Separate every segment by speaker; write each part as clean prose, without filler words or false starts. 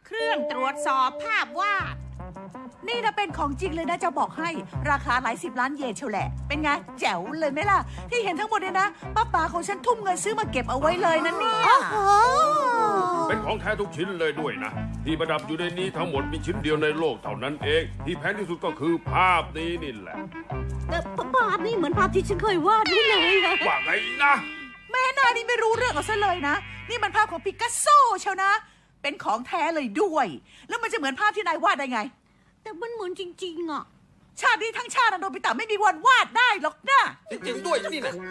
Speaker 1: เครื่องตรวจสอบภาพวาดนี่นะเป็นของจริงเลยนะจะบอกให้ราคาหลาย10 ล้านเยนเชียวแหละเป็นไงแจ๋วเลยไหมล่ะที่เห็นทั้งหมดเนี่ยนะป้าป๋าของฉันทุ่มเงินซื้อมาเก็บเอาไว้เลยนะเนี่ย
Speaker 2: เป็นของแท้ทุกชิ้นเลยด้วยนะที่ประดับอยู่ในนี้ทั้งหมดมีชิ้นเดียวในโลกเท่านั้นเองที่แพงที่สุดก็คือภาพนี้นี่แหละ
Speaker 3: ภาพนี่เหมือนภาพที่ฉันเคยวาดไว้เลย
Speaker 2: ว่าไงนะ
Speaker 1: แม่นานี่ไม่รู้เรื่องเอาซะเลยนะนี่มันภาพของปิกัสโซเชียวนะเป็นของแท้เลยด้วยแล้วมันจะเหมือนภาพที่นายวาดได้ไง
Speaker 3: แต่มันเหมือนจริงๆอ่ะ
Speaker 1: ชาตินี้ทั้งชาติโนบิตะไม่มีวันวาดได้หรอกนะ
Speaker 2: จริงๆด้วยนี่นะ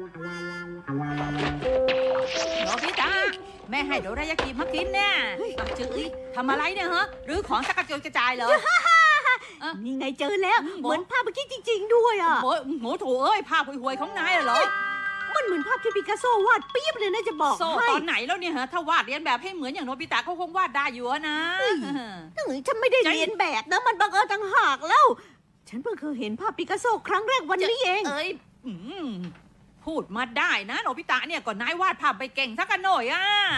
Speaker 1: โนบิตะแม่ให้โดรายากิมากินเนี่ยจื้อทำอะไรเนี่ยฮะหรือของสักกระจุยกระจายเลย
Speaker 3: นี่ไงเจอแล้วเหมือนภาพเมื่อกี้จริงๆด้วยอ่ะ
Speaker 1: โหโถเอ้ยภาพห่วยๆของนายเหรอ
Speaker 3: มันเหมือนภาพที่ปิกัสโซวาดเปี๊ยบเลยนะจะบอกให้
Speaker 1: ตอนไหนแล้วเนี่ยฮะถ้าวาดเรียนแบบให้เหมือนอย่างโนบิตะเขาคงวาดได้อยู่นะ
Speaker 3: ฉันไม่ได้เรียนแบบนะมันบังเอิญต่างหากแล้วฉันเพิ่งเคยเห็นภาพปิกัสโซครั้งแรกวันนี้เอง
Speaker 1: พูดมาได้นะโนบิตะเนี่ยก่อนนายวาดภาพไปเก่งสักหน่อย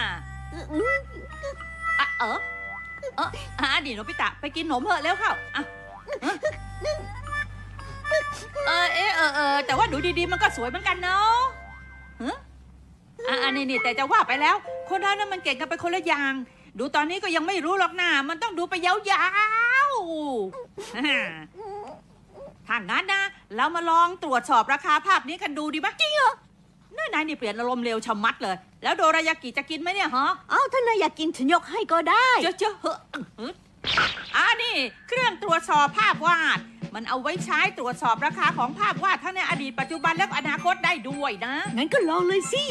Speaker 1: ดิโนบิตะไปกินขนมเถอะเร็วเข้าแต่ว่าดูดีๆมันก็สวยเหมือนกันเนาะนี่แต่จะว่าไปแล้วคนเรานั้นมันเก่งกันไปคนละอย่างดูตอนนี้ก็ยังไม่รู้หรอกนะมันต้องดูไปยาวๆถ้างั้นนะเรามาลองตรวจสอบราคาภาพนี้กันดูดีไหมจริงเหรอนายนี่เปลี่ยนอารมณ์เร็วชะมัดเลยแล้วโดรายากิจะกินไหมเนี่ยฮะ
Speaker 3: ถ้านายอยากกินฉันยกให้ก็ได้
Speaker 1: เจ้านี่เครื่องตรวจสอบภาพวาดมันเอาไว้ใช้ตรวจสอบราคาของภาพวาดทั้งในอดีตปัจจุบันและอนาคตได้ด้วยนะ
Speaker 3: งั้นก็ลองเลยสิ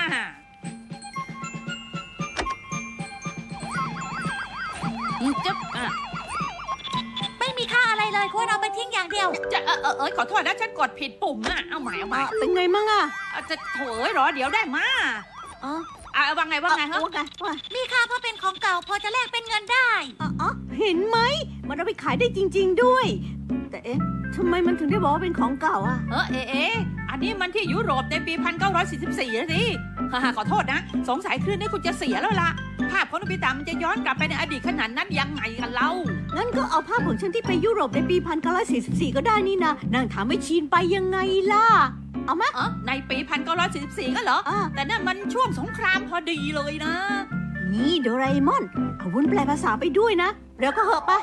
Speaker 4: ไม่มีค่าอะไรเลยควรเอาไปทิ้งอย่างเดียว
Speaker 1: ขอโทษนะฉันกดผิดปุ่มน่ะเอาใหม่
Speaker 3: เป็นไงมั่ง
Speaker 1: จะโถรอเดี๋ยวได้มาว่าไงฮะ
Speaker 4: มีค่าเพราะเป็นของเก่าพอจะแลกเป็นเงินได้
Speaker 3: เห็นไหมมันเอาไปขายได้จริงๆด้วยแต่ทำไมมันถึงได้บอกว่าเป็นของเก่า
Speaker 1: อันนี้มันที่ยุโรปในปี 1944นะสิขอโทษนะสงสัยคลื่นนี้คุณจะเสียแล้วล่ะภาพของโนบิตะมันจะย้อนกลับไปในอดีตขนาดนั้นยังไงกันเล่า
Speaker 3: งั้นก็เอาภาพของฉันที่ไปยุโรปในปี 1944ก็ได้นี่นะนางถามไม่ชีนไปยังไงล่ะเอาไหม
Speaker 1: ในปี 1944ก็เหรอแต่นั่นมันช่วงสงครามพอดีเลยนะ
Speaker 3: นี่โดราเอมอนเอาวุ้นแปลภาษาไปด้วยนะแล้วก็เหอะปะ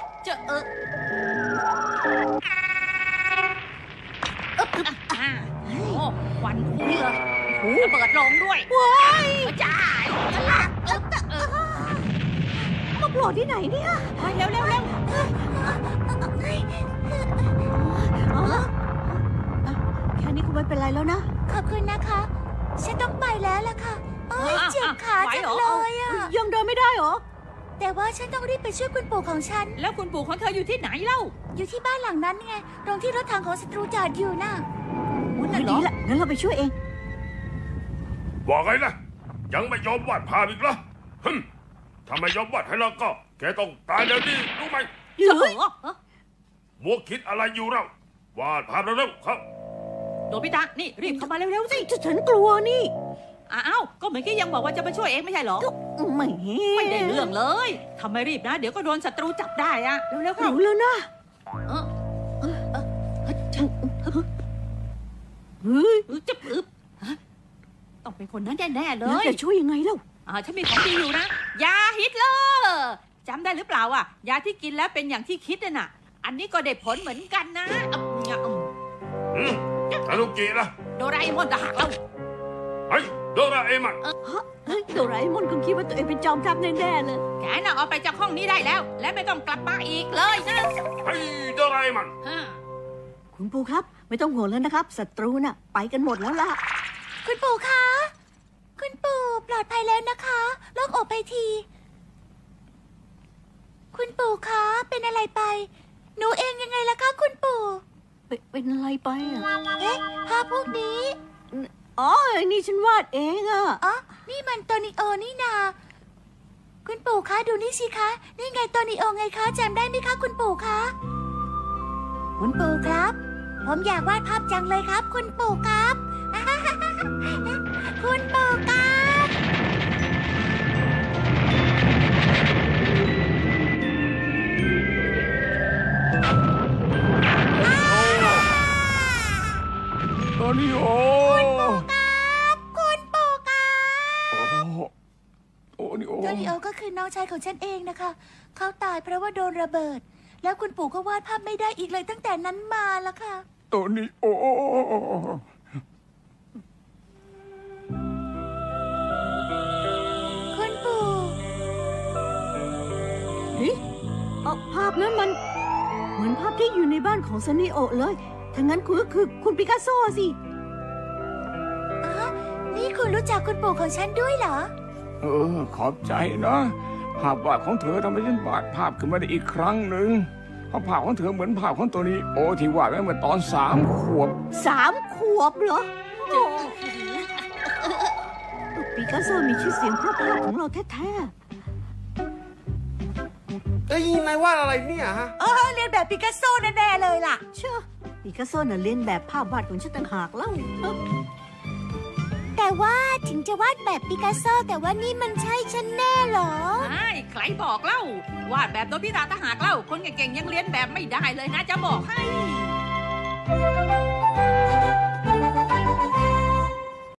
Speaker 1: ควันพุ่งเลยระเบิดลงด้วย
Speaker 3: ว้าย
Speaker 1: จ้า
Speaker 3: มาโผล่ที่ไหนเนี่ย
Speaker 1: เร็ว
Speaker 3: แค่นี้คงไม่เป็นไรแล้วนะ
Speaker 4: ขอบคุณนะคะฉันต้องไปแล้วล่ะค่ะเจ็บขาจังเลย
Speaker 3: ยังเดินไม่ได้หรอ
Speaker 4: แต่ว่าฉันต้องรีบไปช่วยคุณปู่ของฉัน
Speaker 1: แล้วคุณปู่ของเธออยู่ที่ไหนเล่า
Speaker 4: อยู่ที่บ้านหลังนั้นไงตรงที่รถถังของศัตรูจอดอยู่น่ะ
Speaker 3: นั่นเหรองั้นเราไปช่วยเอง
Speaker 2: ว่าไงนะยังไม่ยอมวาดภาพอีกเหรอถ้าไม่ยอมวาดให้เราก็แกต้องตายแล้วนี่รู้ไหมมัวคิดอะไรอยู่เราวาดภาพเร็วๆครับ
Speaker 1: โนบิตะนี่รีบเข้ามาเร็วๆสิ
Speaker 3: ฉันกลัวนี่
Speaker 1: ก็เมื่อกี้ยังบอกว่าจะมาช่วยเองไม่ใช่เหรอไม่ได้เรื่องเลยทำไมรีบนะเดี๋ยวก็โดนศัตรูจับได้เร็วๆเข้า
Speaker 3: รู้แล้วนะ
Speaker 1: จะต้องเป็นคนนั้นแน่ๆเลย
Speaker 3: จะช่วยยังไงเล่า
Speaker 1: ฉันมีของดีอยู่นะยาฮิตเลอร์จำได้หรือเปล่ายาที่กินแล้วเป็นอย่างที่คิดน่ะอันนี้ก็ได้ผลเหมือนกันนะ
Speaker 2: ทานุกินะ
Speaker 1: โดราเอมอนจะหักเรา
Speaker 2: โดราเอมอน
Speaker 3: โดราเอมอนคงคิดว่าตัวเองเป็นจอมทัพแน่ๆเลย
Speaker 1: แกน่ะเอาไปจากห้องนี้ได้แล้วและไม่ต้องกลับมาอีกเลยนะ
Speaker 2: โดราเอมอน
Speaker 3: คุณปู่ครับไม่ต้องห่วงแล้วนะครับศัตรูน่ะไปกันหมดแล้วล่ะ
Speaker 4: คุณปู่คะคุณปู่ปลอดภัยแล้วนะคะโล่งอกไปทีคุณปู่คะเป็นอะไรไปหนูเองยังไงล่ะคะคุณปู่
Speaker 3: เป็นอะไรไป
Speaker 4: ภาพพวกนี้
Speaker 3: นี่ฉันวาดเอง
Speaker 4: นี่มันโตนิโอนี่นาคุณปู่คะดูนี่สิคะนี่ไงโตนิโอไงคะจำได้ไหมคะคุณปู่คะคุณปู่ครับผมอยากวาดภาพจังเลยครับคุณปู่ครับคุณปู่ครับก็คือน้องชายของฉันเองนะคะ เขาตายเพราะว่าโดนระเบิด แล้วคุณปู่ก็วาดภาพไม่ได้อีกเลยตั้งแต่นั้นมาแล้วค่ะ
Speaker 5: โตนิโอ
Speaker 4: คุณปู่
Speaker 3: เฮ้ยภาพนั้นมันเหมือนภาพที่อยู่ในบ้านของซันนี่โอะเลยถ้างั้นคุณก็คือคุณปิกัสโซสิ
Speaker 4: นี่คุณรู้จักคุณปู่ของฉันด้วยเหรอ
Speaker 5: ขอบใจนะภาพวาดของเธอทำให้ฉันวาดภาพขึ้นมาได้อีกครั้งหนึ่งเพราะภาพของเธอเหมือนภาพของโตนิโอที่วาดไว้เมื่อตอน3 ขวบ
Speaker 3: 3 ขวบเหรอปิกัสโซมีชื่อเสียงเพราะภาพของเราแท้
Speaker 6: เอ้ยนายว่าอะไรเนี่ยฮะ
Speaker 1: เรียนแบบปิกัสโซแน่ๆเลยล่ะ
Speaker 3: ๆเชื่อปิกัสโซน่ะเลียนแบบภาพวาดของฉันต่างหากเล่า
Speaker 4: แต่ว่าถึงจะวาดแบบปิกัสโซแต่ว่านี่มันใช่ฉันแน่เหรอ
Speaker 7: ใช่ใครบอกเล่าวาดแบบโนบิตะต่างหากเล่า คนเก่งๆยังเรียนแบบไม่ได้เลยนะจะบอกให้